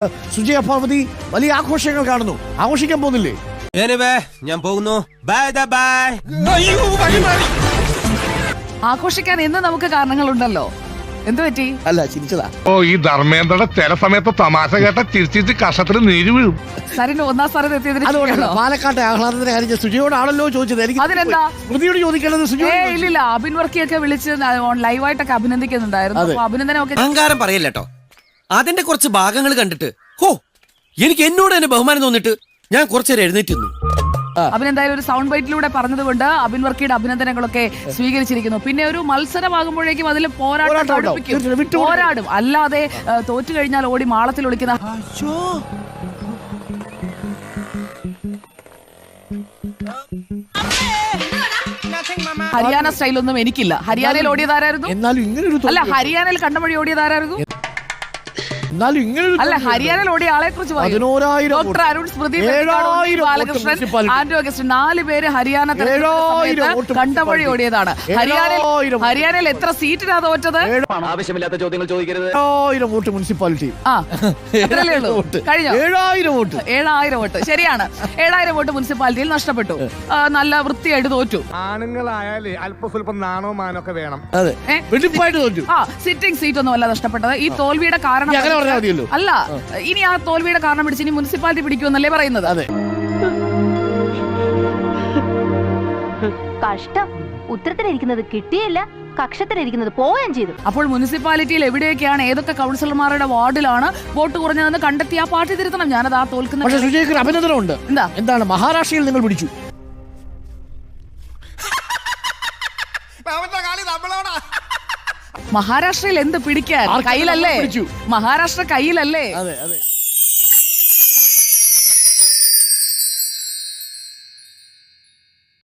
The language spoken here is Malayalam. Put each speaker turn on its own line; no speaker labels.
സുജയ പാർവതി വലിയ ആഘോഷങ്ങൾ കാണുന്നു, ആഘോഷിക്കാൻ പോകുന്നില്ലേ?
ഞാൻ പോകുന്നു.
ആഘോഷിക്കാൻ ഇന്ന് നമുക്ക് കാരണങ്ങളുണ്ടല്ലോ. എന്തു പറ്റി?
അല്ല, ചിരിച്ചതാ.
ഓ, ഈ ധർമ്മേന്ദ്രയുടെ ചില സമയത്ത് തമാശ കേട്ട ചിരിച്ചിട്ട് കഷത്തിൽ നീര് വീഴും.
സാറിന് ഒന്നാം സ്ഥാനത്ത് എത്തിയതിന്
അതുകൊണ്ടല്ല പാലക്കാട്ടെ ആഹ്ലാദത്തിന്റെ കാര്യം സുജയോടാണല്ലോ ചോദിച്ചത്. എനിക്ക്
അതിനെന്താ
സ്മൃതിയോട് ചോദിക്കേണ്ടത് സുജയോ?
ഇല്ലില്ല, അബിൻ വർക്കിയൊക്കെ വിളിച്ച് ലൈവായിട്ടൊക്കെ അഭിനന്ദിക്കുന്നുണ്ടായിരുന്നു. അപ്പൊ അഭിനന്ദനമൊക്കെ
അഹങ്കാരം പറയല്ലോ. അതിന്റെ കുറച്ച് ഭാഗങ്ങൾ കണ്ടിട്ട് എനിക്ക് എന്നോട് തന്നെ ബഹുമാനം തോന്നിട്ട് ഞാൻ കുറച്ചേരം എഴുന്നേറ്റുന്നു.
അബിൻ എന്തായാലും ഒരു സൗണ്ട് ബൈറ്റിലൂടെ പറഞ്ഞതുകൊണ്ട് അബിൻ വർക്കിയുടെ അഭിനന്ദനങ്ങളൊക്കെ സ്വീകരിച്ചിരിക്കുന്നു. പിന്നെ ഒരു മത്സരമാകുമ്പോഴേക്കും അതിൽ പോരാടും. അല്ലാതെ തോറ്റു കഴിഞ്ഞാൽ ഓടി മാളത്തിൽ ഒളിക്കുന്ന ഹരിയാന സ്റ്റൈലൊന്നും എനിക്കില്ല. ഹരിയാനയിൽ ഓടിയതാരായിരുന്നു? അല്ല, ഹരിയാനയിൽ കണ്ടമഴി ഓടിയതാരായിരുന്നു? അല്ല, ഹരിയാനയിൽ ഓടിയ ആളെ കുറിച്ച് doctor Arun, Smriti Balakrishnan, Andrew Augustine, 4 പേര് ഹരിയാന കണ്ടമഴി ഓടിയതാണ്. ഹരിയാനയിൽ എത്ര സീറ്റിനാ തോറ്റത്?
ആവശ്യമില്ലാത്ത ചോദ്യങ്ങൾ ചോദിക്കരുത്.
7000 വോട്ട് മുനിസിപ്പാലിറ്റി.
അത്രയല്ലേ ഉള്ളൂ. കഴിഞ്ഞോ?
7000 വോട്ട്.
7000 വോട്ട്. ശരിയാണ്, 7000 വോട്ട് മുനിസിപ്പാലിറ്റിയിൽ നഷ്ടപ്പെട്ടു. നല്ല വൃത്തിയായിട്ട് തോറ്റു.
ആണുങ്ങളായാലേ അല്പസ്വല്പം നാണോ മാനൊക്കെ വേണം.
സിറ്റിംഗ് സീറ്റ് ഒന്നും അല്ല നഷ്ടപ്പെട്ടത്. ഈ തോൽവിയുടെ കാരണം അല്ല, ഇനി ആ തോൽവിയുടെ കാരണം പിടിച്ച് ഇനി മുനിസിപ്പാലിറ്റി പിടിക്കുമെന്നല്ലേ പറയുന്നത്?
കഷ്ടം, ഉത്തരത്തിലിരിക്കുന്നത് കിട്ടിയില്ല, കക്ഷത്തിലിരിക്കുന്നത് പോവുകയും ചെയ്തു.
അപ്പോൾ മുനിസിപ്പാലിറ്റിയിൽ എവിടെയൊക്കെയാണ്, ഏതൊക്കെ കൗൺസിലർമാരുടെ വാർഡിലാണ് വോട്ട് കുറഞ്ഞതെന്ന് കണ്ടെത്തി ആ പാർട്ടി തിരുത്തണം. ഞാനത് ആ തോൽക്കുന്ന.
പക്ഷേ സുജയ്ക്ക് അഭിനന്ദനമുണ്ട്. എന്താണ് മഹാരാഷ്ട്രയിൽ നിങ്ങൾ പിടിച്ചു?
മഹാരാഷ്ട്രയിൽ എന്ത് പിടിക്കാൻ? കയ്യിലല്ലേ? മഹാരാഷ്ട്ര കയ്യിലല്ലേ?
അതെ.